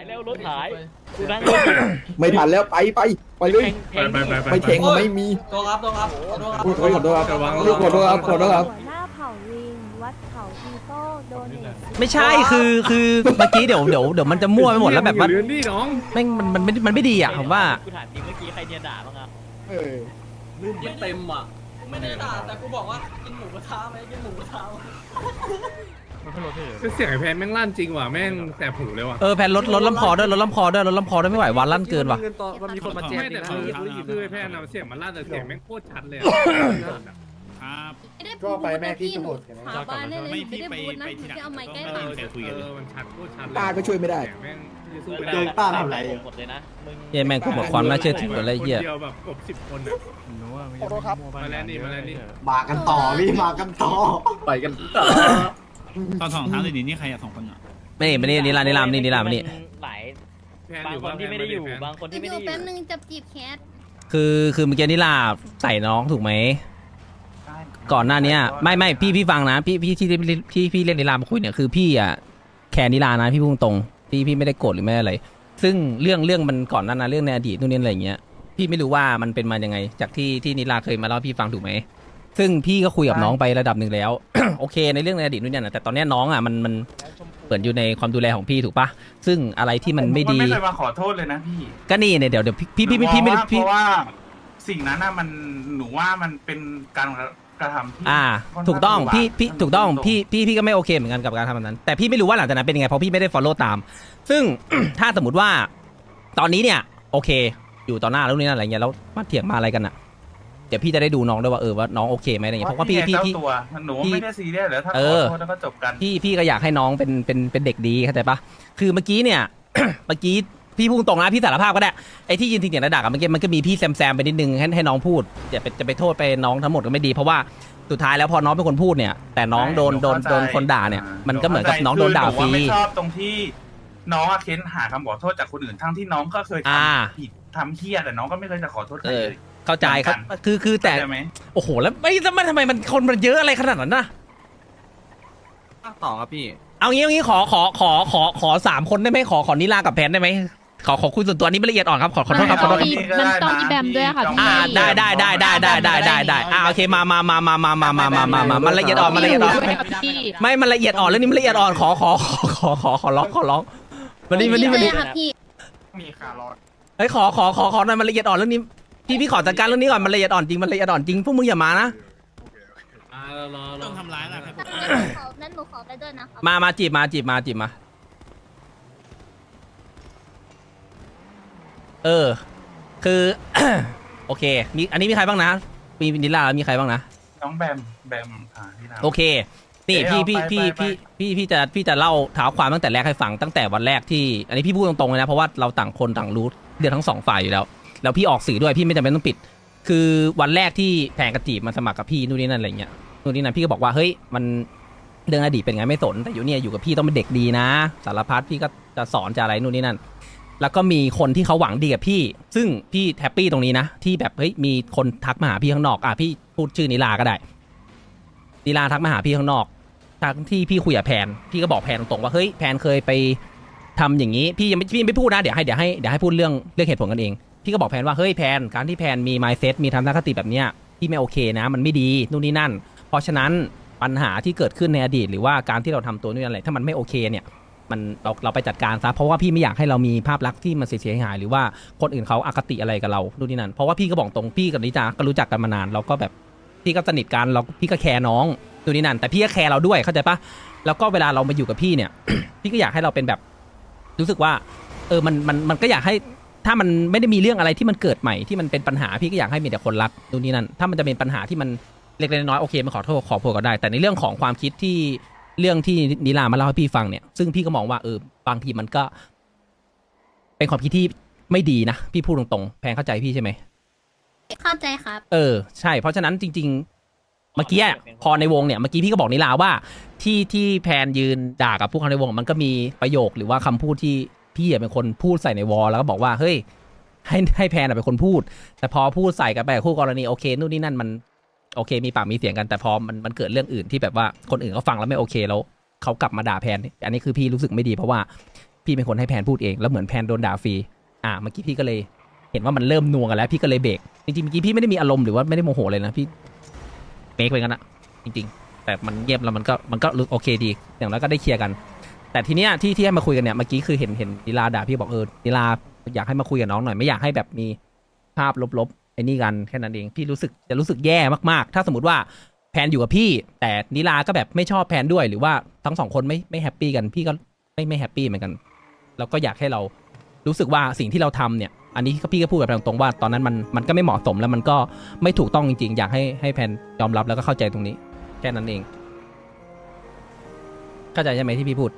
แล้วรถหายกูนั่งรถไม่ทันแล้วไปเลย ไม่เทงก็ไม่มีตัวครับตัวครับตัวครับขอโทษครับขอโทษครับหัวหน้าเผ่าลิงวัดเขาอีโต้โดเนทไม่ใช่คือเมื่อกี้เดี๋ยวมันจะมั่วไปหมดแล้วแบบว่านี่น้องแม่งมันไม่ดีอ่ะผมว่ากูถามจริงเมื่อกี้ใครเนี่ยด่าบ้างอ่ะลื่นเต็มอ่ะไม่ได้ด่าแต่กูบอกว่ากินหมูกระทะไหมกินหมูกระทะเสียงไอ้แพนแม่งลั่นจริงว่ะแม่งแสบหูเลยว่ะแพนลดลำคอด้วยลดลำคอด้วยไม่ไหววันลั่นเกินว่ะมันมีคนมาแจ้งไม่แต่คือไอ้แพนเสียงมันลั่นแต่เสียงแม่งโคตรชัดเลยครับก็ไปแม่พี่ตำรวจหาบ้านได้เลยไม่ได้พูดนะจะเอาไม้ใกล้ปากมันชัดโคตรชัดตาก็ช่วยไม่ได้แม่งโดนป้าทำไรหมดเลยนะมึงเหี้ยแม่งกูหมดความน่าเชื่อถืออะไรเหี้ยเดียวแบบกบ10 คนอ่ะขอโทษครับมาแล้วนี่มากันต่อพี่มากันต่อไปกันตอนสองเท้าเลยนี่ใครอะ2 คนอะไม่มานี่นี่ลามนี่หลายแพนบาอง ยู่คนที่ไม่ได้อยู่บางคนที่ไม่ได้อยู่แป๊บนึงจับจีบแคทคือเมื่อกี้นิลาใส่น้องถูกไหมก่อนหน้านี้ไม่พี่ฟังนะพี่ที่พี่เรียกนิลามาคุยเนี่ยคือพี่อ่ะแคร์นิลานะพี่พูดตรงพี่ไม่ได้โกรธหรือไม่อะไรซึ่งเรื่องมันก่อนนั้นนะเรื่องในอดีตนู่นนี่อะไรอย่างเงี้ยพี่ไม่รู้ว่ามันเป็นมายังไงจากที่นิลาเคยมาเล่าพี่ฟังถูกไหมซึ่งพี่ก็คุยกับน้องไประดับหนึ่งแล้ว โอเคในเรื่องในอดีตนู่นนี่นะแต่ตอนนี้น้องอ่ะมันเปิดอยู่ในความดูแลของพี่ถูกปะซึ่งอะไรที่มันไม่ดีไม่เคยมาขอโทษเลยนะพี่ก็นี่เนี่ยเดี๋ยวพี่ไม่พี่เพราะว่าสิ่งนั้นน่ะมันหนูว่ามันเป็นการกระทำที่ถูกต้องพี่ถูกต้องตรงพี่ก็ไม่โอเคเหมือนกันกับการทำแบบนั้นแต่พี่ไม่รู้ว่าหลังจากนั้นเป็นยังไงเพราะพี่ไม่ได้ follow ตาม ซึ่ง ถ้าสมมติว่าตอนนี้เนี่ยโอเค อยู่ต่อหน้าแล้วนี่นั่นอะไรเงี้ยแล้วมาเถียงมาอะไรกันอ่ะเดี๋ยวพี่จะได้ดูน้องด้วยว่าว่าน้องโอเคไหมอะไรเงี้ยเพราะว่าพี่เจ้าตัวหนูไม่ได้ซีเรียสเลยถ้าขอโทษแล้วก็จบกันพี่ก็อยากให้น้องเป็นเด็กดีเข้าใจปะคือเมื่อกี้เนี่ย เมื่อกี้พี่พูดตรงนะพี่สารภาพก็ได้ไอ้ที่ยืนทิ้งอย่างระดับเมื่อกี้มันก็มีพี่แซมไปนิดนึงให้น้องพูดจะไปโทษไปน้องทั้งหมดก็ไม่ดีเพราะว่าสุดท้ายแล้วพอน้องเป็นคนพูดเนี่ยแต่น้องโดนคนด่าเนี่ยมันก็เหมือนกับน้องโดนด่าฟรีไม่ชอบตรงที่น้องเค้นหาคำขอโทษจากคนอื่นทั้งที่น้องก็เคยทำผิดทำเหี้ยแต่น้องก็ไม่เคยจะขอโทษใครเลยเข้าใจครับคือแต่โอ้โหแล้วไม่ทำไมมันคนมันเยอะอะไรขนาดนั้นนะต่อครับพี่เอางี้ขอ3 คนได้ไหมขอนิลากับแพนได้ไหมขอคุยส่วนตัวนี้ไม่ละเอียดอ่อนครับขอโทษครับขอโทษครับมันต้องอีแบมด้วยค่ะพี่ได้โอเคมามันละเอียดอ่อนมันละเอียดอ่อนไม่มันละเอียดอ่อนเรื่องนี้มันละเอียดอ่อนขอร้องมานี่ค่ะพี่มีขาร้อนเฮ้ยขอหน่อยมันละเอียดอ่อนเรื่องนี้พี่ขอจัดการเรื่องนี้ก่อนมันละเอียดอ่อนจริงมันละเอียดอ่อนจริงพวกมึงอย่ามานะต้องทำร้ายนะนั้นหนูขอไปด้วยนะครับมาจีบมาคือ โอเคมีอันนี้มีใครบ้างนะมีนิลามีใครบ้างนะน้องแบมที่ทำโอเคนี่พี่จะเล่าเท้าความตั้งแต่แรกให้ฟังตั้งแต่วันแรกที่อันนี้พี่พูดตรงๆเลยนะเพราะว่าเราต่างคนต่างรู้เรื่องทั้ง2 ฝ่ายอยู่แล้วพี่ออกสื่อด้วยพี่ไม่จำเป็นต้องปิด คือวันแรกที่แพงกระจีบมาสมัครกับพี่นู่นนี่นั่นอะไรเงี้ยนู่นนี่นั่นพี่ก็บอกว่าเฮ้ยมันเรื่องอดีตเป็นไงไม่สนแต่อยู่เนี่ยอยู่กับพี่ต้องเป็นเด็กดีนะสารพัดพี่ก็จะสอนจะอะไรนู่นนี่นั่นแล้วก็มีคนที่เขาหวังดีกับพี่ซึ่งพี่แฮปปี้ตรงนี้นะที่แบบเฮ้ยมีคนทักมาหาพี่ข้างนอกพี่พูดชื่อนิลาก็ได้นิลาทักมาหาพี่ข้างนอกทางที่พี่คุยกับแพนพี่ก็บอกแพนตรงๆว่าเฮ้ยแพนเคยไปทำอย่างนี้พี่ยังไม่พูดนะเดี๋ยวให้พูดเรื่องเหตุผลกันเองพี่ก็บอกแพนว่าเฮ้ยแพนการที่แพนมี mindset มีทัศนคติแบบเนี้ยพี่ไม่โอเคนะมันไม่ดีนู่นนี่นั่นเพราะฉะนั้นปัญหาที่เกิดขึ้นในอดีตหรือว่าการที่เราทำตัวนู่นอะไรถ้ามันไม่โอเคเนี่ยมันเราไปจัดการซะเพราะว่าพี่ไม่อยากให้เรามีภาพลักษณ์ที่มันเสียหายหรือว่าคนอื่นเขาอคติอะไรกับเรานู่นนี่นั่นเพราะว่าพี่ก็บอกตรงพี่กับนิจาก็รู้จักกันมานานเราก็แบบพี่ก็สนิทกันพี่ก็แคร์น้องนู่นนี่นั่นแต่พี่ก็แคร์เราด้วยเข้าใจปะแล้วก็เวลาเรามาอยู่กับพี่เนี่ย พี่ก็อยากให้เราเป็นแบบรู้สึกว่ามันก็อยากให้ถ้ามันไม่ได้มีเรื่องอะไรที่มันเกิดใหม่ที่มันเป็นปัญหาพี่ก็อยากให้มีแต่คนรักนู่นนี่นั่นถ้ามันจะเป็นปัญหาที่มันเล็กๆน้อยๆโอเคมาขอโทษขอโพยก็ได้แต่ในเรื่องของความคิดที่เรื่องที่นิลามาเล่าให้พี่ฟังเนี่ยซึ่งพี่ก็มองว่าบางทีมันก็เป็นความคิดที่ไม่ดีนะพี่พูดตรงๆแพงเข้าใจพี่ใช่ไหมเข้าใจครับใช่เพราะฉะนั้นจริงๆเมื่อกี้พอในวงเนี่ยเมื่อกี้พี่ก็บอกนิลาว่าที่แพนยืนด่ากับพวกเขาในวงมันก็มีประโยคหรือว่าคำพูดที่พี่เป็นคนพูดใส่ในวอลแล้วก็บอกว่าเฮ้ยให้แพนเป็นคนพูดแต่พอพูดใส่กันไปคู่กรณีโอเคนู่นนี่นั่นมันโอเคมีปากมีเสียงกันแต่พอมันเกิดเรื่องอื่นที่แบบว่าคนอื่นเขาฟังแล้วไม่โอเคแล้วเขากลับมาด่าแพนอันนี้คือพี่รู้สึกไม่ดีเพราะว่าพี่เป็นคนให้แพนพูดเองแล้วเหมือนแพนโดนด่าฟรีเมื่อกี้พี่ก็เลยเห็นว่ามันเริ่มนัวกันแล้วพี่ก็เลยเบรกจริงๆเมื่อกี้พี่ไม่ได้มีอารมณ์หรือว่าไม่ได้โมโหเลยนะพี่เมคไปกันนะจริงๆแต่มันเงียบแล้วมันก็โอเคดีอย่างน้อยก็ได้เคลียร์กัน แต่ทีเนี้ยที่ให้มาคุยกันเนี่ยเมื่อกี้คือเห็นนิลาด่าพี่บอกนิลาอยากให้มาคุยกับน้องหน่อยไม่อยากให้แบบมีภาพลบๆไอ้นี่กันแค่นั้นเองพี่รู้สึกแย่มากๆถ้าสมมติว่าแพนอยู่กับพี่แต่นิลาก็แบบไม่ชอบแพนด้วยหรือว่าทั้งสองคนไม่แฮปปี้กันพี่ก็ไม่แฮปปี้เหมือนกันแล้วก็อยากให้เรารู้สึกว่าสิ่งที่เราทำเนี่ยอันนี้พี่ก็พูดแบบตรงๆว่าตอนนั้นมันก็ไม่เหมาะสมแล้วมันก็ไม่ถูกต้องจริงๆอยากให้แพนยอมรับแล้วก็เข้าใจตรงนี้แค่นั้นเองเข้าใจใช่ไหมที่พี่พูด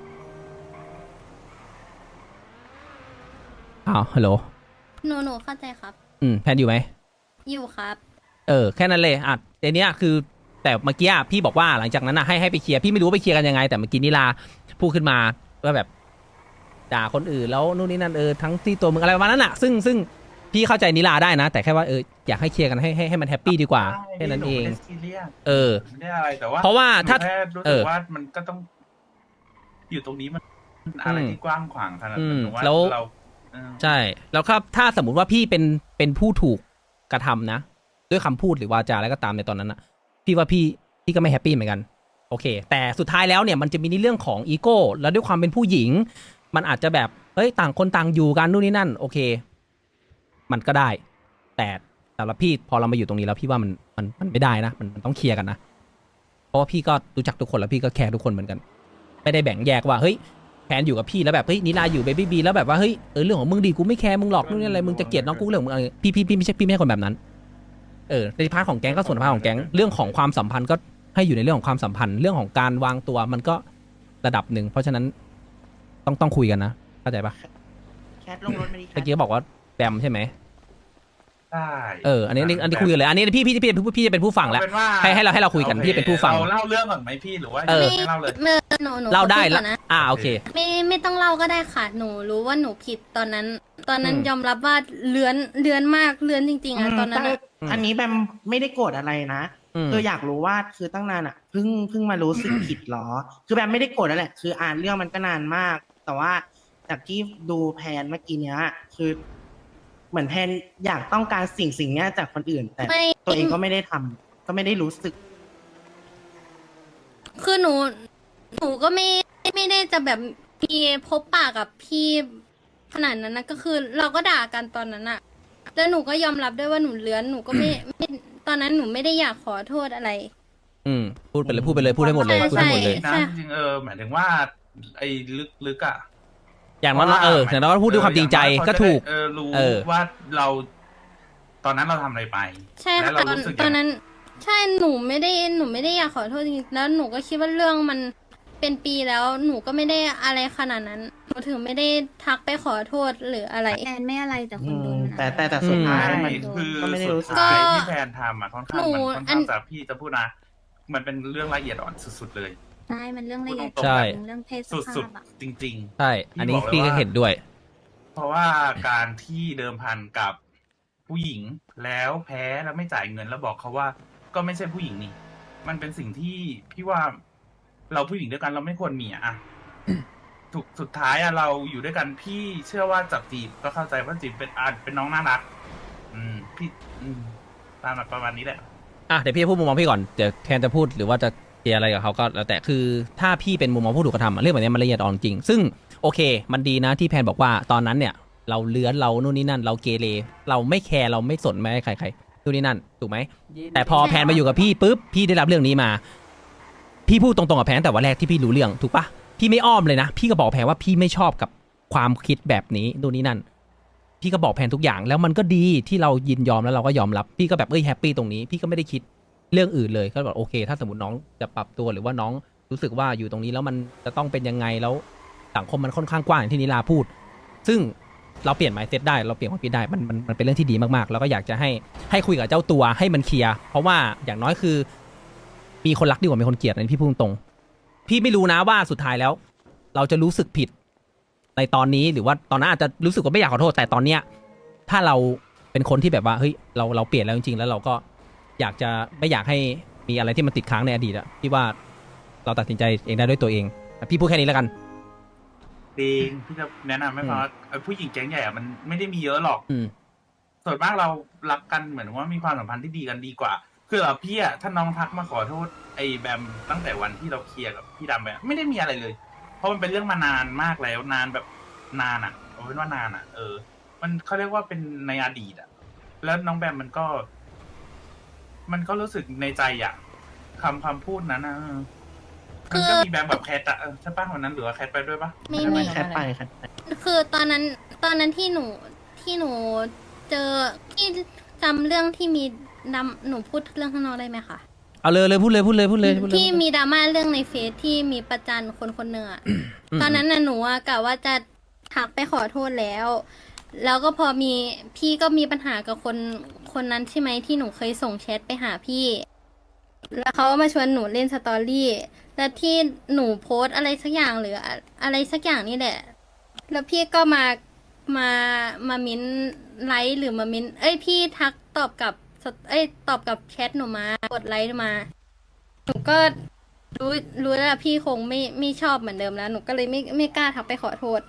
ฮัลโหลหนูเข้าใจครับแพนอยู่ไหมอยู่ครับแค่นั้นเลยเดี๋ยวนี้คือแต่เมื่อกี้พี่บอกว่าหลังจากนั้นให้ไปเคลียร์พี่ไม่รู้ไปเคลียร์กันยังไงแต่เมื่อกี้นิลาพูดขึ้นมาว่าแบบด่าคนอื่นแล้วนู่นนี่นั่นทั้งที่ตัวมึงอะไรประมาณนั้นซึ่งพี่เข้าใจนิลาได้นะแต่แค่ว่าอยากให้เคลียร์กันให้มันแฮปปี้ดีกว่าแค่นั้นเองไม่ได้อะไรแต่ว่าเพราะว่าถ้ารู้สึกว่ามันก็ต้องอยู่ตรงนี้มันอะไรที่กว้างขวางขนาดนั้นว่าเราใช่แล้วครับถ้าสมมุติว่าพี่เป็นผู้ถูกกระทำนะด้วยคำพูดหรือวาจาอะไรก็ตามในตอนนั้นพี่ว่าพี่ก็ไม่แฮปปี้เหมือนกันโอเคแต่สุดท้ายแล้วเนี่ยมันจะมีในเรื่องของอีโก้แล้วด้วยความเป็นผู้หญิงมันอาจจะแบบต่างคนต่างอยู่กันนู่นนี่นั่นโอเคมันก็ได้แต่สำหรับพี่พอเรามาอยู่ตรงนี้แล้วพี่ว่ามันไม่ได้นะมันต้องเคลียร์กันนะเพราะว่าพี่ก็รู้จักทุกคนแล้วพี่ก็แคร์ทุกคนเหมือนกันไม่ได้แบ่งแยกว่าแพนอยู่กับพี่แล้วแบบนิลาอยู่เบบี้บีแล้วแบบว่าเรื่องของมึงดีกูไม่แคร์มึงหรอกนู่นนี่อะไรมึงจะเกลียดน้องกูเรื่องมึงพี่ไม่ใช่คนแบบนั้นในพาร์ทของแก๊งก็ส่วนพาร์ทของแก๊งเรื่องของความสัมพันธ์ก็ให้อยู่ในเรื่องของความสัมพันธ์เรื่องของการวางตัวมันก็ระดับหนึ่งเพราะฉะนั้นต้องคุยกันนะเข้าใจปะแคทลงรถมาดิเมื่อกี้บอกว่าแบมใช่ไหมใช่อันนี้คุยกันเลยอันนี้พี่จะเป็นผู้ฟังแล้วให้เราคุยกันพี่เป็นผู้ฟังเราเล่าเรื่องก่อนไหมพี่หรือว่าไม่เล่าเลยหนูเล่าได้แล้วโอเคไม่ต้องเล่าก็ได้ค่ะหนูรู้ว่าหนูผิดตอนนั้นยอมรับว่าเลื้อนมากเลื้อนจริงๆตอนนั้นอันนี้แบมไม่ได้โกรธอะไรนะคืออยากรู้ว่าคือตั้งนานเพิ่งมารู้สึกผิดหรอคือแบมไม่ได้โกรธนั่นแหละคืออ่านเรื่องมันก็นานมากแต่ว่าจากที่ดูแพนเมื่อกี้เนี้ยคือเหมือนแพนอยากต้องการสิ่งนี้จากคนอื่นแต่ตัวเองก็ไม่ได้ทำก็ไม่ได้รู้สึกคือหนูก็ไม่ได้จะแบบมีพบปากกับพี่ขนาดนั้นนะก็คือเราก็ด่ากันตอนนั้นอะแล้วหนูก็ยอมรับด้วยว่าหนูเลื้อนหนูก็ไม่ตอนนั้นหนูไม่ได้อยากขอโทษอะไรพูดไปเลยพูดให้หมดเลยพูดให้หมดเลยนะจริงหมายถึงว่าไอ้ลึกอะอย่างนั้นอย่างนั้นพูดด้วยความจริงใจก็ถูกรู้ว่าเราตอนนั้นเราทำอะไรไปใช่ค่ะตอนนั้นใช่หนูไม่ได้อยากขอโทษจริงๆแล้วหนูก็คิดว่าเรื่องมันเป็นปีแล้วหนูก็ไม่ได้อะไรขนาดนั้นหนูถึงไม่ได้ทักไปขอโทษหรืออะไรแอนไม่อะไรแต่คนโดนแต่สุดท้ายมันก็ไม่ได้รู้สึกที่แพนทำค่อนข้างจากพี่จะพูดนะมันเป็นเรื่องละเอียดอ่อนสุดๆเลยใช่มันเรื่องละเอียดเรื่องเพศสุดๆจริงๆใช่อันนี้พี่ก็เห็นด้วยเพราะว่าการที่เดิมพันกับผู้หญิงแล้วแพ้แล้วไม่จ่ายเงินแล้วบอกเขาว่าก็ไม่ใช่ผู้หญิงนี่มันเป็นสิ่งที่พี่ว่าเราผู้หญิงด้วยกันเราไม่ควรมีสุดท้ายเราอยู่ด้วยกันพี่เชื่อว่าจับจีบก็เข้าใจว่าจีบเป็นน้องน่ารักพี่ตามประมาณนี้แหละเดี๋ยวพี่พูดมุมมองพี่ก่อนเดี๋ยวแทนจะพูดหรือว่าจะเคลียร์อะไรกับเขาก็แล้วแต่คือถ้าพี่เป็นมุมมองผู้ถูกกระทำเรื่องแบบนี้มันละเอียดอ่อนจริงซึ่งโอเคมันดีนะที่แพนบอกว่าตอนนั้นเนี่ยเราเลื้อนเรานู่นนี่นั่นเราเกเรเราไม่แคร์เราไม่สนไม่ให้ใครนู่นนี่นั่นถูกไหมแต่พอแพนมาอยู่กับพี่ปุ๊บพี่ได้รับเรื่องนี้มาพี่พูดตรงๆกับแพนแต่วันแรกที่พี่รู้เรื่องถูกปะพี่ไม่อ้อมเลยนะพี่ก็บอกแพนว่าพี่ไม่ชอบกับความคิดแบบนี้นู่นนี่นั่นพี่ก็บอกแพนทุกอย่างแล้วมันก็ดีที่เรายินยอมแล้วเราก็ยอมรับพี่ก็แบบแฮปปี้ตรงนี้พี่ก็ไม่ได้คิดเรื่องอื่นเลยก็บอกโอเคถ้าสมมติน้องจะปรับตัวหรือว่าน้องรู้สึกว่าอยู่ตรงนี้แล้วมันจะต้องเป็นยังไงแล้วสังคมมันค่อนข้างกว้างอย่างที่นิลาพูดซึ่งเราเปลี่ยน mindset ได้เราเปลี่ยนความคิดได้มันเป็นเรื่องที่ดีมากๆแล้วก็อยากจะให้คุยกับเจ้าตัวให้มันเคลียร์เพราะว่าอย่างน้อยคือมีคนรักดีกว่ามีคนเกลียดอันนี้พี่พูดตรงพี่ไม่รู้นะว่าสุดท้ายแล้วเราจะรู้สึกผิดในตอนนี้หรือว่าตอนนั้นอาจจะรู้สึกว่าไม่อยากขอโทษแต่ตอนเนี้ยถ้าเราเป็นคนที่แบบว่าเฮ้ยเราเปลี่ยนแล้วจริงๆแล้วเราก็อยากจะไม่อยากให้มีอะไรที่มันติดค้างในอดีตพี่ว่าเราตัดสินใจเองได้ด้วยตัวเองพี่พูดแค่นี้แล้วกันจริงพี่จะแนะนำให้ฟังว่าผู้หญิงแก๊งใหญ่อะมันไม่ได้มีเยอะหรอกอืมส่วนมากเรารักกันเหมือนว่ามีความสัมพันธ์ที่ดีกันดีกว่า คือพี่อะถ้าน้องทักมาขอโทษไอ้แบมตั้งแต่วันที่เราเคลียร์กับพี่ดำไปอะไม่ได้มีอะไรเลย เพราะมันเป็นเรื่องมานานมากแล้วนานแบบนานอะเอาเป็นว่านานอะมันเขาเรียกว่าเป็นในอดีตอะแล้วน้องแบมมันก็รู้สึกในใจอะคำพูดนั้นอะมันก็มีแบมแบบแคทอะใช่ป่ะวันนั้นหรือว่าแคทไปด้วยป่ะไม่ไม่มีแคทไปแคทไปคือตอนนั้นที่หนูเจอที่จำเรื่องที่มีหนูพูดเรื่องข้างนอกได้ไหมคะเอาเลยพูดเลยที่มีดราม่าเรื่องในเฟซที่มีประจานคนหนึ่งอะตอนนั้นน่ะหนูอะกะว่าจะทักไปขอโทษแล้ว แล้วก็พอมีพี่ก็มีปัญหากับคนนั้นใช่ไหมที่หนูเคยส่งแชทไปหาพี่ แล้วเขาก็มาชวนหนูเล่นสตอรี่แล้วที่หนูโพสต์อะไรสักอย่างหรืออะไรสักอย่างนี่แหละ แล้วพี่ก็มามิ้นไลค์หรือมามิ้นพี่ทักตอบกับแชทหนูมากดไลค์มาหนูก็รู้แล้วพี่คงไม่ชอบเหมือนเดิมแล้วหนูก็เลยไม่กล้าทักไปขอโทษ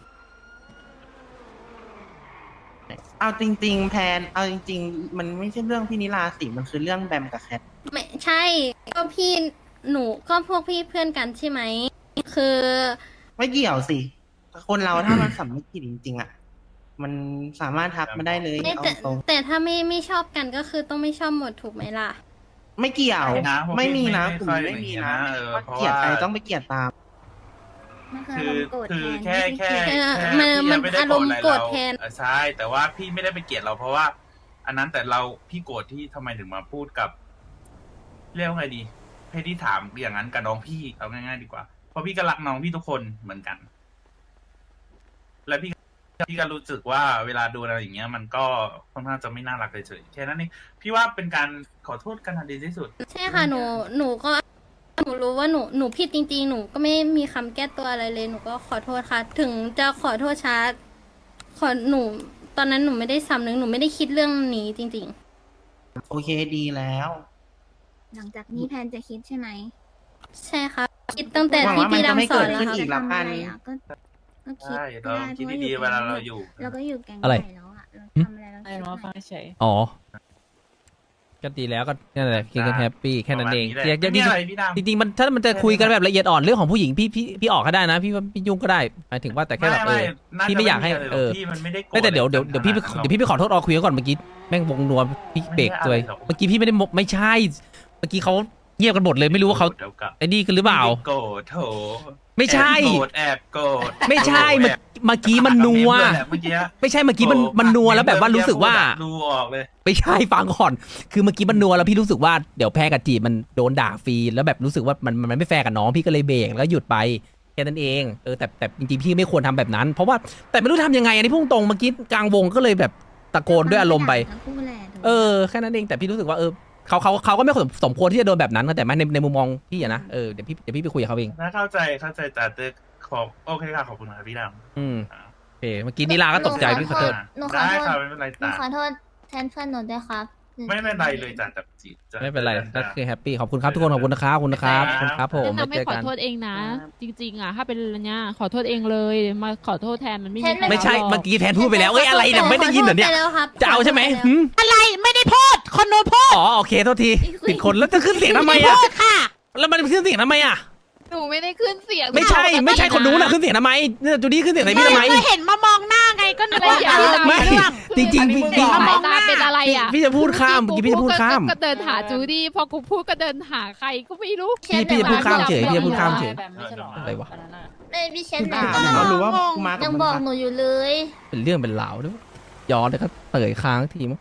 เอาจริงๆแพนเอาจริงๆมันไม่ใช่เรื่องพี่นิลาสิมันคือเรื่องแบมกับแคทไม่ใช่ก็พี่หนูก็พวกพี่เพื่อนกันใช่ไหมคือไม่เกี่ยวสิ คนเราถ้ามันสำนึกผิดจริงๆอ่ะมันสามารถทักมาได้เลยไม่เอาแต่ตรงแต่ถ้าไม่ชอบกันก็คือต้องไม่ชอบหมดถูกไหมล่ะไม่เกี่ยวไม่นะผมไม่มีนะไม่กลุ่ค่มอยไม่มีนะอย่างเงี้ยนะว่าเพราะเกลียดใครว่าต้องไปเกลียดตามมันคือคืออารมณ์โกรธคือแทนแค่ไม่ใช่เกลียดแค่มันพี่ไได้อารมณ์โกรธแทนใช่ แต่ว่าพี่ไม่ได้ไปเกลียดเราเพราะว่า อันนั้นแต่พี่โกรธที่ทำไมถึงมาพูดกับเรียกว่าไงดีให้ที่ถามอย่างนั้นกับน้องพี่เอาง่ายๆดีกว่าเพราะพี่ก็รักน้องพี่ทุกคนเหมือนกัน และพี่ก็รู้สึกว่าเวลาดูอะไรอย่างเงี้ย มันก็ค่อนข้างจะไม่น่ารักเฉยๆแค่นั้นเองพี่ว่าเป็นการขอโทษกันอันดีที่สุดใช่ค่ะหนูก็หนูรู้ว่าหนูผิดจริงๆหนูก็ไม่มีคำแก้ตัวอะไรเลยหนูก็ขอโทษค่ะ ถึงจะขอโทษช้าหนูตอนนั้นหนูไม่ได้สำนึกหนูไม่ได้คิดเรื่องนี้จริงโอเคดีแล้วหลังจากนี้แพนจะคิดใช่ไหมๆ ใช่ค่ะคิดตั้งแต่หวังที่ว่ามันพี่จะไม่ดำสอนเกิดแล้วขึ้นครับอีก แล้วกันจะทำอะไรอ่ะก็คิดใช่ก็เราได้คิดเพราะดีๆเวลาเราอยู่เราก็อยู่แก๊งอะไรใหญ่แล้วอ่ะเราทำอะไรเราไอ้คิดน้องหฟัน่งอยเฉยอ๋อก็ดีแล้วก็นั่นแหละคิดกันแฮปปี้แค่นั้นเองประมาณนี้แหละไม่มีอะไรพี่ดำจริงๆมันถ้ามันจะคุยกันแบบละเอียดอ่อนเรื่องของผู้หญิงพี่ออกก็ได้นะพี่ว่าพี่ยุ่งก็ได้หมายถึงว่าแต่แค่แบบน่จะพี่ไม่อยากให้ะรรเออพี่มันไม่ได้โกรธไม่แต่เดี๋ยวอะไรพี่ขนานั้นหรอกเดี๋ยวพี่ไปขอโทษออคุยก่อนเมื่อกี้แม่งวงนัวพี่เบรกเลยไม่ได้อะไรหรอกเมื่อกี้พี่ไม่ได้ไม่ใช่เมื่อกี้เขาเงียบกันหมดเลยไม่รู้ว่าเขาดี๋ยวกลับไอ้นี่กันหรือเปล่าไม่ได้โกรธโถไม่ใช่แอบโกรธไม่ใช่แอบเมื่อกี้มันนัวเมื่อกี้ไม่ใช่เมื่อกี้มันนัวแล้วแบบว่ารู้สึกว่าดูออกเลยไม่ใช่ฟังก่อน คือเมื่อกี้มันนัวแล้วพี่รู้สึกว่าเดี๋ยวแพ้กับจีบมันโดนด่าฟรีแล้วแบบรู้สึกว่ามันไม่แฟร์กับน้องพี่ก็เลยเบรกแล้วหยุดไปแค่นั้นเองแต่จริงๆพี่ไม่ควรทำแบบนั้น เพราะว่าแต่ไม่รู้ทำยังไงอันนี้พุ่งตรงเมื่อกี้กลางวงก็เลยแบบตะโกนด้วยอารมณ์ไปทั้งคู่แหละถูกไหมแค่นั้นเองแต่พี่รู้สึกว่าเขาก็ไม่สมควรที่จะโดนแบบนั้นแต่ไม่ในมุมมองพี่อะนะเดี๋ยวพี่ไปคุยกับเขาเองถ้าเข้าใจแต่ขอโอเคค่ะขอบคุณครับพี่ดำโอเคเมื่อกี้นิลาก็ตกใจพี่ขอโทษหนูขอได้โทษค่ะไม่เป็นไรหนูจ้ะขอโทษแทนเพื่อนหนูด้วยครับไม่เป็นไรเลยจ้ะจับจีบจ้ะไม่เป็นไรก็คือแฮปปี้ขอบคุณครับทุกคนขอบคุณนะครับขอบคุณนะครับขอบคุณครับผมแนะนำให้เจอขอกันโทษเองนะ จริงๆอ่ะถ้าเป็นอันเนี้ยขอโทษเองเลยมาขอโทษแทนมันไม่มีใครไม่ใช่รับหรอกเมื่อกี้แทนพูดไปแล้วอะไรเนี่ยไม่ได้ยินเหรอเนี่ยขโทษไปแล้วครับจะเอาใช่ไหมขโทษปแล้วหืมอะไรไม่ได้พูดคนโน้นพูดอ๋อโอเคโทษทีผิดคนแล้วจะขึ้นเสียงทำไมไม่อ่ะพูดค่ะแล้วมันขึ้นเสียงทำไมอ่ะหนูไม่ได้ขึ้นเสียงไม่ใช่คนนู้นนะขึ้นเสียงทำไมเนี่ยจูดี้ขึ้นเสียงใส่พี่ทำไมก็เห็นมามองหน้าไงก็นึกว่าอย่าไม่ จริงๆพี่มามองหน้าเป็นอะไรอ่ะพี่จะพูดข้ามเมื่อกี้พี่จะพูดข้ามก็เดินหาจูดี้พอกูพูดก็เดินหาใครก็ไม่รู้พี่จะพูดข้ามเฉยพี่จะพูดข้ามเฉยแบบไม่ใช่หรออะไรวะนนั้นน่ะไม่พี่เชนอ่าเนี่ยเขารู้ว่ากูมากัยับงมึงบอกนะหนูอยู่เลยเป็นเรื่องเป็นราวด้วยย้อนแล้วก็เตยค้างทีมั้ง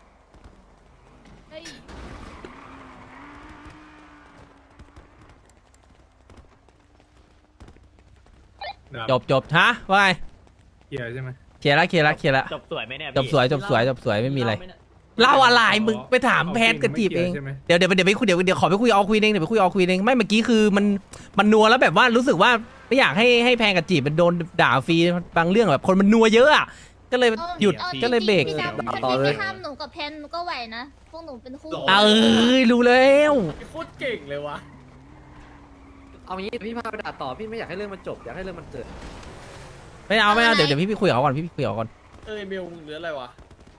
จบฮะว่าไงเกียร์ใช่ไหมเคลียร์ละจบสวยไหมเนี่ยจบสวยไม่มีอะไรเล่าอะไรมึงไปถามแพนกับจีบเองใช่ไหมเดี๋ยวไปคุยเดี๋ยวขอไปคุยเอาคุยเองเดี๋ยวไปคุยเอาคุยเองไม่เมื่อกี้คือมันนัวแล้วแบบว่ารู้สึกว่าไม่อยากให้แพนกับจีบมันโดนด่าฟรีบางเรื่องแบบคนมันนัวเยอะอ่ะก็เลยหยุดอาจริงๆก็เลยเบรกพี่ดำต่อเลยพี่ห้ามหนูกับแพนหนูก็ไหวนะ พวกหนูเป็นคู่รู้แล้วโคตรเก่งเลยวะเอางี้พี่พาไปด่าต่อพี่ไม่อยากให้เรื่องมันจบอยากให้เรื่องมันเกิดไม่เอาเดี๋ยวพี่ไปคุยกับเขาก่อนพี่ไปคุยกับเขาก่อนเบลมึงเหลืออะไรวะ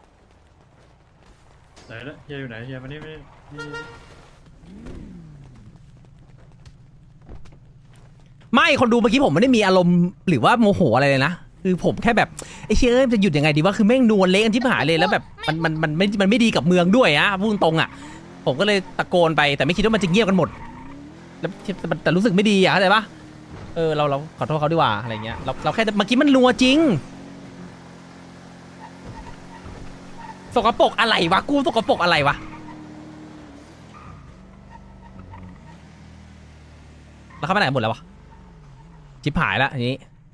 ไหนละเฮียอยู่ไหนเฮียมานี่ไม่คนดูเมื่อกี้ผมไม่ได้มีอารมณ์หรือว่าโมโหอะไรเลยนะคือผมแค่แบบไอ้เชี่ยมันจะหยุดยังไงดีว่าคือแม่งนวลเละกันที่หายเลยแล้วแบบมันไม่ดีกับเมืองด้วยอะพูดตรงๆอะผมก็เลยตะโกนไปแต่ไม่คิดว่ามันจะเงียบกันหมดแล้วแต่รู้สึกไม่ดีอะเข้าใจปะเราขอโทษเขาดีกว่าอะไรเงี้ยเราแค่เมื่อกี้มันนัวจริงสกปรกอะไรวะกูสกปรกอะไรวะแล้วเขาไปไหนหมดแล้ววะชิบหายแล้วอันนี้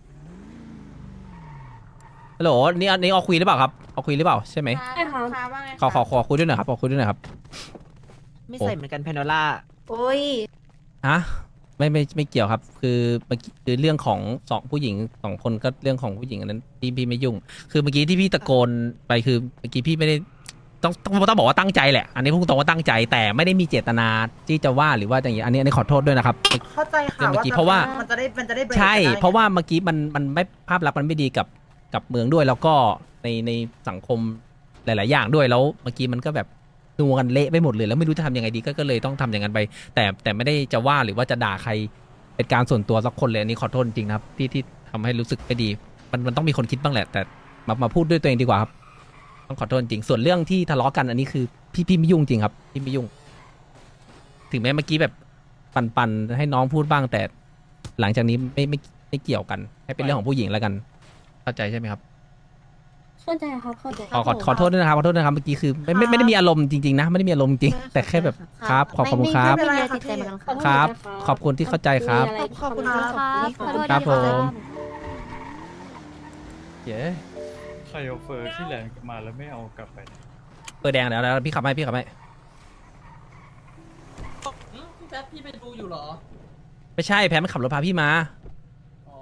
ฮัลโหลนี่เอาคุยหรือเปล่าครับเอาคุยหรือเปล่าใช่ไหมใช่ค่ะว่าไงขอคุยด้วยหน่อยครับขอคุยด้วยหน่อยครับไม่ใส่เหมือนกันเพนโนล่าโอ้ยฮะไม่เกี่ยวครับคือเมื่อกี้คือเรื่องของผู้หญิง2 คนก็เรื่องของผู้หญิงอันนั้นพี่ไม่ยุ่งคือเมื่อกี้ที่พี่ตะโกนไปคือเมื่อกี้พี่ไม่ได้ต้องบอกว่าตั้งใจแหละอันนี้พูดตรงว่าตั้งใจแต่ไม่ได้มีเจตนาที่จะว่าหรือว่าอย่างนี้อันนี้ขอโทษด้วยนะครับเข้าใจค่ะเมื่อกี้เพราะว่ามันจะได้เบรกใช่ได้เพราะว่าเมื่อกี้มันไม่ภาพลักษณ์มันไม่ดีกับเมืองด้วยแล้วก็ในสังคมหลาย ๆ อย่างด้วยแล้วเมื่อกี้มันก็แบบนัวกันเละไปหมดเลยแล้วไม่รู้จะทำยังไงดีก็เลยต้องทำอย่างนั้นไปแต่ไม่ได้จะว่าหรือว่าจะด่าใครเป็นการส่วนตัวสักคนเลยอันนี้ขอโทษจริงนะครับที่ทำให้รู้สึกไม่ดีมันต้องมีคนคิดบ้างแหละแต่มาพูดด้วยตัวเองดีกว่าครับต้องขอโทษจริงส่วนเรื่องที่ทะเลาะกันอันนี้คือพี่ไม่ยุ่งจริงครับพี่ไม่ยุ่งถึงแม้เมื่อกี้แบบปันให้น้องพูดบ้างแต่หลังจากนี้ไม่เกี่ยวกันให้เป็นเรื่องของผู้หญิงแล้วกันเข้าใจใช่ไหมครับเข้าใจครับเข้าใจขอโทษด้วยนะครับขอโทษนะครับเมื่อกี้คือไม่ได้มีอารมณ์จริงๆนะไม่ได้มีอารมณ์จริงแต่แค่แบบครับขอบคุณครับไม่มีอะไรติดใจเหมือนกันครับขอบคุณที่เข้าใจครับขอบคุณครับขอโทษครับด้วยผมเย้ใครเอาเฟอร์ที่แลนด์มาแล้วไม่เอากลับไปเปิดแดงแล้วพี่ขับให้พี่พี่แป๊บพี่ไปดูอยู่เหรอไม่ใช่แพนมันขับรถพาพี่มาอ๋อ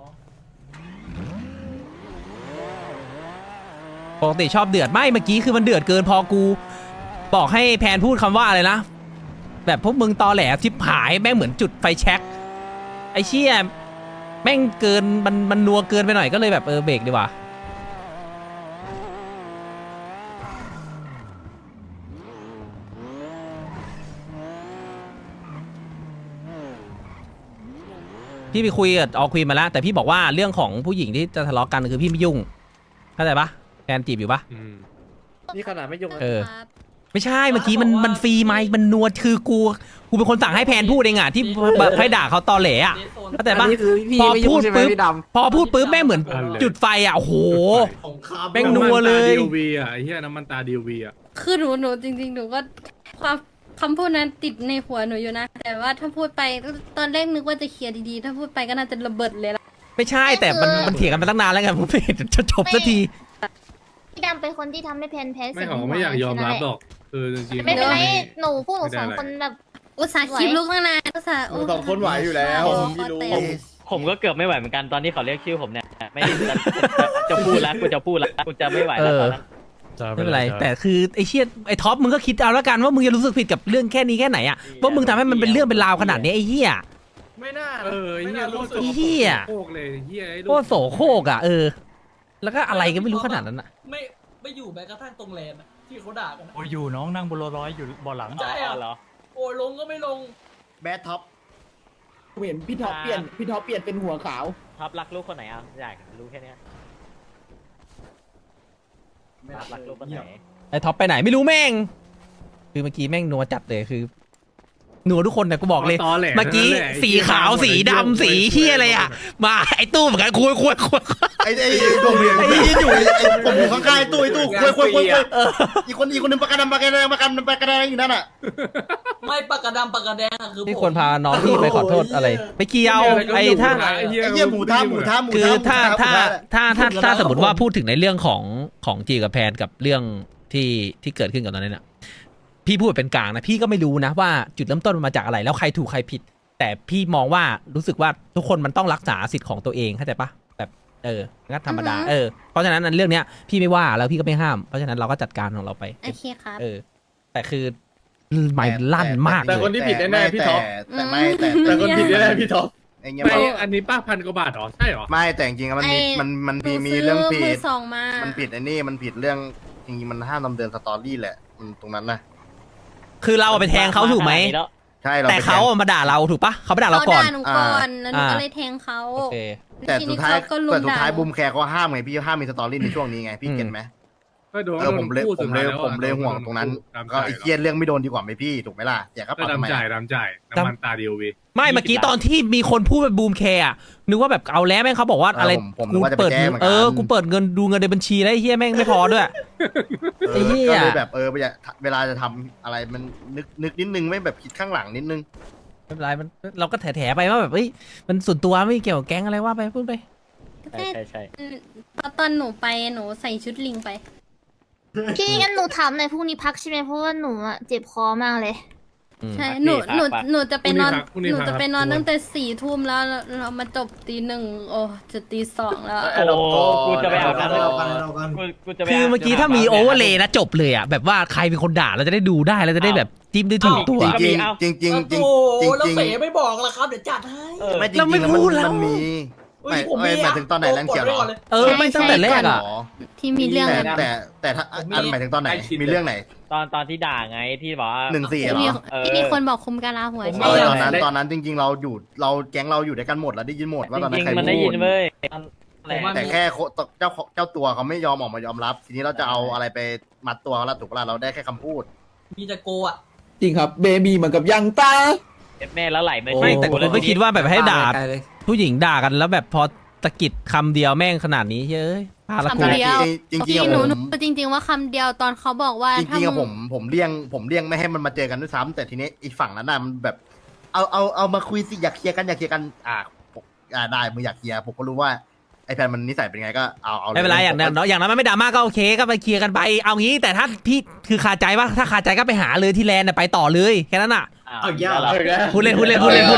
ปกติชอบเดือดไม่เมื่อกี้คือมันเดือดเกินพอกูบอกให้แพนพูดคำว่าอะไรนะแบบพวกมึงตอแหลชิบหายแม่งเหมือนจุดไฟแช็กไอ้เชี่ยแม่งเกินมันนัวเกินไปหน่อยก็เลยแบบเบรกดีกว่าพี่ไปคุยกับออคุยมาแล้วแต่พี่บอกว่าเรื่องของผู้หญิงที่จะทะเลาะกันคือพี่ไม่ยุ่งเข้าใจปะแฟนจีบอยู่ปะนี่ขนาดไม่ยุ่งครับไม่ใช่เมื่อกี้มันฟรีไหมมันนัวคือกูเป็นคนสั่งให้แพนพูดเองอ่ะที่ให้ด่าเขาตอแหลอ่ะเข้าใจปะอันนี้คือพี่พอไม่พูยุ่งดใช่ไหมปุ๊บพี่ดพอพูดปุ๊บแม่งเหมือนจุดไฟอ่ะโอ้โห แม่งนัวเลยดีวีอ่ะไอ้เหี้ยน้ำมันตาดีวีอ่ะคือหนูจริงๆหนูก็ความคำพูดนั้นติดในหัวหนูอยู่นะ แต่ว่าถ้าพูดไปตอนแรกนึกว่าจะเคลียร์ดีๆ ถ้าพูดไปก็น่าจะระเบิดเลยละไม่ใช่แต่มันเถียงกันมาตั้งนานแล้วไงผมไม่เห็นจะจบสักทีพี่ดำเป็นคนที่ทำให้แพนแพ้ไม่เขาไม่อยากยอมรับหรอกคือจริงๆไม่เป็นไรไม่หนูพวกหนูสองคนแบบอุตส่าห์คลิปลุกตั้งนานอุตส่าห์ำสองคนไหวอยู่แล้วพี่รู้ผมก็เกือบไม่ไหวเหมือนกันตอนที่เขาเรียกชื่อผมเนี่ยไม่จะพูดแล้วกูจะไม่ไหวแล้วตอนนั้นไม่เป็นไรแต่คือไอ้เชี่ยไอ้ท็อปมึงก็คิดเอาแล้วกันว่ามึงจะรู้สึกผิดกับเรื่องแค่นี้แค่ไหนอ่ะว่ามึงทำให้มันเป็นเรื่องเป็นราวขนาดนี้ไอ้เหี้ยไม่น่าไอ้เหี้ยโลกไอ้เหี้ยโคกเลยเหี้ยไอ้โคตรโสโครกอ่ะแล้วก็อะไรก็ไม่รู้ขนาดนั้นอ่ะไม่อยู่แม้กระทั่งตรงแลนด์อะที่เขาด่ากันอะโอ้ยอยู่น้องนั่งบนรถร้อยอยู่บ่อหลังใช่เหรอโอ้ยลงก็ไม่ลงแบดท็อปเห็นพี่ท็อปเปลี่ยนเป็นหัวขาวท็อปรักลูกคนไหนอ่ะอยากรู้แค่เนี้ยท็อปรักลูกคนไหนไอ้ท็อปไปไหนไม่รู้แม่งคือเมื่อกี้แม่งนัวจัดเลยคือนัวทุกคนเนี่ยกูบอกเลยเมื่อกี้สีขาวสีดำสีเฮียอะไรอ่ะมาไอ้ตู้เหมือนกันคุยไอ้ตรงนี้พี่ยืนอยู่ผมอยู่ข้างๆไอ้ตู้คุยอีกคนนึงปากกาดำปากกาแดงอยู่นั่นอ่ะไม่ปากกาดำปากกาแดงอะคือที่ควรพาน้องพี่ไปขอโทษอะไรไปเกี่ยวไอ้ถ้าไอ้เหี้ยหมูท้าคือถ้าสมมติว่าพูดถึงในเรื่องของจีกับแพนกับเรื่องที่เกิดขึ้นกับตอนนั้นน่ะพี่พูดเป็นกลางนะพี่ก็ไม่รู้นะว่าจุดเริ่มต้นมันมาจากอะไรแล้วใครถูกใครผิด แต่พี่มองว่ารู้สึกว่าทุกคนมันต้องรักษาสิทธิ์ของตัวเองเข้าใจปะแบบงั้นธรรมดาเพราะฉะนั้นเรื่องเนี้ยพี่ไม่ว่าแล้วพี่ก็ไม่ห้ามเพราะฉะนั้นเราก็จัดการของเราไปโอเคครับแต่คือไม่ลั่นมากแต่คนที่ผิดแน่ๆพี่ท็อปแต่คนผิดแน่ๆพี่ท็อปไอ้เงี้ยไม่อันนี้ป้าพันกว่าบาทเหรอใช่เหรอไม่แต่จริงๆมันมีไอ้มันหนูมีซื้อเรื่องผิมือดสองมามันผิดไอ้นี่มันผิดเรื่องจริงๆมันห้ามดำเนินสตอรี่แหละมันตรงนั้นนะคือเราไปแทงเขาถูกไหมใช่เราแต่ไปเขามาด่าเราถูกปะเขามาด่าเราก่อนด่าหนูก่อนแล้วหนูก็เลยแทงเขาโอเคแต่ทีสุนี้ดท้ายเขาก็ลุมแต่สุดด่าท้ายบูมแคร์เขาห้ามไงพี่ห้ามมีสตอรี่ในช่วงนี้ไงพี่เก็ตไหมก็โดนผมเลยพูดสุดท้ายแล้วผมเลยห่วงตรงนั้นก็ไอ้เครียดเรื่องไม่โดนดีกว่าไหมพี่ถูกไหมล่ะอย่าก็ก็ปาทำไมดำจ่ายน้ำมันตาเดียววีไม่เมื่อกี้ตอนที่มีคนพูดแบบบูมแคร์อะนึกว่าแบบเอาแล้วแม่งเขาบอกว่าอะไรผมนึกว่าจะไปเปิดแจ้งเหมือนกันกูเปิดเงินดูเงินในบัญชีแล้วไอ้เฮียแม่งไม่พอด้วย ไอ้เหี้ยก็เลยแบบเวลาจะทำอะไรมันนึกนิดนึงไม่แบบคิดข้างหลังนิดนึงไม่เป็นไรมันเราก็แถไปว่าแบบเอ้ยมันส่วนตัวไม่เกี่ยวกับแก๊งอะไรว่าไปพูดไปใช่ใช่ตอนหนูไปหนูใส่ชุดลิงไปพี่งั้นหนูถามหน่อยพรุ่งนี้พักใช่ไหมเพราะว่าหนูอะเจ็บคอมากเลยใช่หนูจะไปนอนหนูจะไปนอนตั้งแต่4 ทุ่มแล้วเรามาจบตี 1โอ้จะตี 2แล้วโอ้กูจะไปอาบน้ำกูจะไปคือเมื่อกี้ถ้ามีโอเวอร์เลยนะจบเลยอ่ะแบบว่าใครเป็นคนด่าเราจะได้ดูได้เราจะได้แบบจิ้มได้ถูกตัวจริงจริงจริงจริงโอ้จริงแล้วจริงเสไม่บอกละครับเดี๋ยวจัดให้ไม่จริงเราไม่จริงพูดแล้วมันมีไม่หมายถึงตอนไหนแรงเขียวเหรอไม่ตั้งแต่แรกอ่ะที่มีเรื่องแต่ถ้าอันหมายถึงตอนไหนมีเรื่องไหนตอนที่ด่าไงที่บอกว่า 1-4 ที่มีเหรอที่มีคนบอกคุมกาลาหัวใช่ตอนนั้นจริงๆเราแก๊งเราอยู่ด้วยกันหมดแล้วได้ยินหมดว่าตอนจนั้รินงใครๆมันได้พูยิดนเว้ยแต่แค่เจ้าตัวเขาไม่ยอมออกมายอมรับ ทีนี้เราจะเอาอะไรไปมัดตัวเขาละถูกปะล่ะเราได้แค่คำพูดมีจะโกอ่ะจริงครับเบบีเหมือนกับยังตาแม่แล้วไหลมาไม่แต่ผมไม่คิดว่าแบบให้ด่าผู้หญิงด่ากันแล้วแบบพอตะกิดคำเดียวแม่งขนาดนี้เฮ้ยพาละกูคำเดียวจริงๆพี่อะหนูผมจริง ๆ ว่าคำเดียวตอนเขาบอกว่าจริงๆอะผมเลี่ยงไม่ให้มันมาเจอกันด้วยซ้ำแต่ทีนี้อีกฝั่งนั้นน่ะมันแบบเอามาคุยสิอยากเคลียร์กันได้มึงอยากเคลียร์ผมก็รู้ว่าไอ้แพนมันนิสัยเป็นไงก็เอาไม่เป็นไรอย่างนั้นอย่างนั้นมันไม่ดราม่าก็โอเคก็ไปเคลียร์กันไปเอางี้แต่ถ้าพี่คือคาใจว่าถ้าคาใจก็ไปหาเลยที่แลนด์ไปต่อเลยแค่นั้นอ่ะเอายากพูดเล่นอัน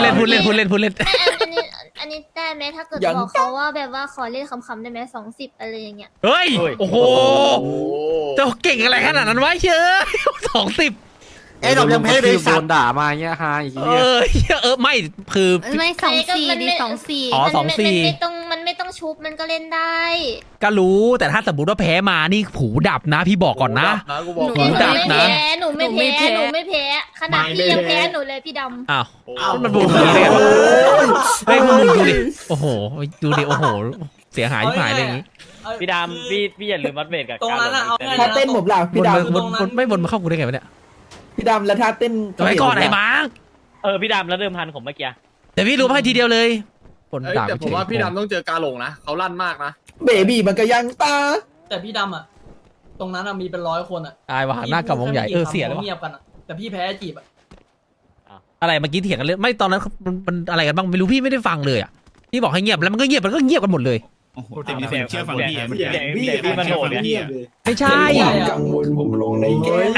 นี้ได้ไหมถ้าเกิดบอกเขาว่าแบบว่าขอเล่นคำๆได้ไหม20อะไรอย่างเงี้ยเฮ้ยโอ้โหเจ้าเก่งอะไรขนาดนั้นวะเชย20 ไอ้ดอกยังแพ้เลยสัตว์ด่ามาเงี้ยฮาอีกไม่คือไม่24ดี24 อ๋อมันไม่ต้องชุบมันก็เล่นได้ก็รู้แต่ถ้าสมมติว่าแพ้มานี่ผูดับนะพี่บอกก่อนนะหนูไม่แพ้ขนาดพี่ยังแพ้หนูเลยพี่ดำอ้าวมันบูมเลยเฮ้ยมึงดูดิโอ้โหดูดิโอ้โหเสียหายที่หายเลยอย่างนี้พี่ดำพี่อย่าลืมมัดเวทกับตรงนั้นอะเอาถ้าเต้นผมล่ะพี่ดไม่บนมาเข้ากูได้ไงวะเนี่ยำพี่ดำแล้วถ้าเต้นไว้ก่อนไอ้มาร์คพี่ดำแล้วเดิมพันผมเมื่อกี้แต่พี่รู้ให้ทีเดียวเลยคนด่าแต่ผมว่าพี่ดำต้องเจอกาหลงนะเขาลั่นมากนะเบบีเหมือนกับยังตาแต่พี่ดำอ่ะตรงนั้นมีเป็น100 คนอ่ะตายว่ะหน้ากับวงใหญ่เสียแล้วเงียบกันอ่ะแต่พี่แพ้จีบอ่ะอะไรเมื่อกี้เถียงกันเลยไม่ตอนนั้นมันอะไรกันบ้างไม่รู้พี่ไม่ได้ฟังเลยอ่ะพี่บอกให้เงียบแล้วมันก็เงียบกันหมดเลยโอ้โหแต่มีเสียงเชื่อฟังพี่พี่มันโหดเนี่ยไม่ใช่กังวลผมลงในเกม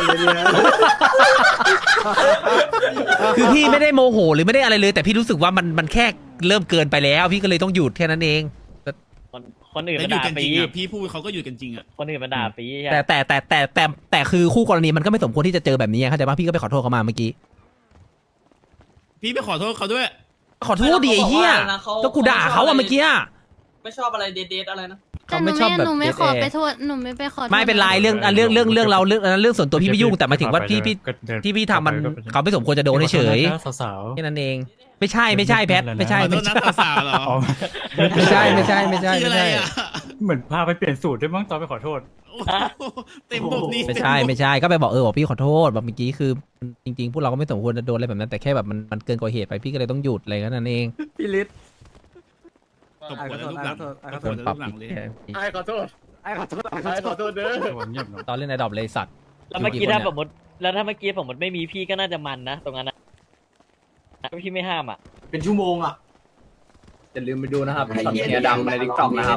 คือพี่ไม่ได้โมโหหรือไม่ได้อะไรเลย แต่พี่รู้สึกว่ามันแค่เริ่มเกินไปแล้ว พี่ก็เลยต้องหยุดแค่นั้นเองคนอื่นมันด่าปีพี่พูดเขาก็อยู่กันจริงอ่ะคนอื่นมันด่าปีแต่คือคู่กรณีมันก็ไม่สมควรที่จะเจอแบบนี้เข้าใจป่ะพี่ก็ไปขอโทษเขามาเมื่อกี้พี่ไปขอโทษเขาด้วยขอโทษดิไอ้เหี้ยก็กูด่าเขาอะเมื่อกี้ไม่ชอบอะไรเดทอะไรนะแต่หนูไม่ขอไปโทษหนูไม่ไปขอโทษไม่เป็นไรเรื่องเราเรื่องส่วนตัวพี่ไม่ยุ่งแต่หมายถึงว่าพี่ทำมันเขาไม่สมควรจะโดนเฉยสาวแค่นั้นเอง ไม่ใช่แพทไม่ใช่ขอโทษนะสาวเหรอไม่ใช่เหมือนพาไปเปลี่ยนสูตรด้วยมั้งตอนไปขอโทษเต็มบบนี้ไม่ใช่ก็ไปบอกบอกพี่ขอโทษแบบเมื่อกี้คือจริงๆพวกเราก็ไม่สมควรจะโดนอะไรแบบนั้นแต่แค่แบบมันเกินกว่าเหตุไปพี่ก็เลยต้องหยุดอะไรแค่นั้นเองพี่ฤทธิ์ตบหัวลูกหลังตบหัวลูกหลังเลยขอโทษเด้อตอนเล่นไอดอปเลยสัตว์แล้วเมื่อกี้ถ้าสมมติไม่มีพี่ก็น่าจะมันนะตรงนั้นนะพี่ไม่ห้ามอ่ะเป็นชั่วโมงอ่ะอย่าลืมไปดูนะครับช็อตเนี้ยดำในทิกตอกนะครับ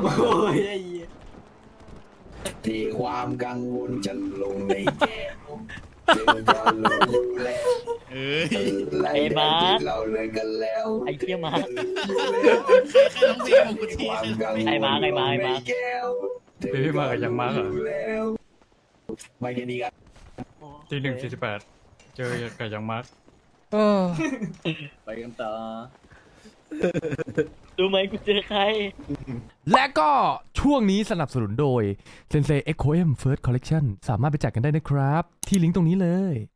ที่ความกังวลจะลงในแก้วเจอกันลงแล้วไอ้มาเราเลยกันแล้วไอ้เหี้ยมาใครร้องเพลงของกูทีไอ้มาพี่มากับยังมาเหรอไม่แค่นี้กันตี 1:48เจอกับยังมาเออไปกันต่อรู้ไหมกูเจอใครและก็ช่วงนี้สนับสนุนโดย Sensei Echo M First Collection สามารถไปจัดกันได้นะครับ ที่ลิงก์ตรงนี้เลย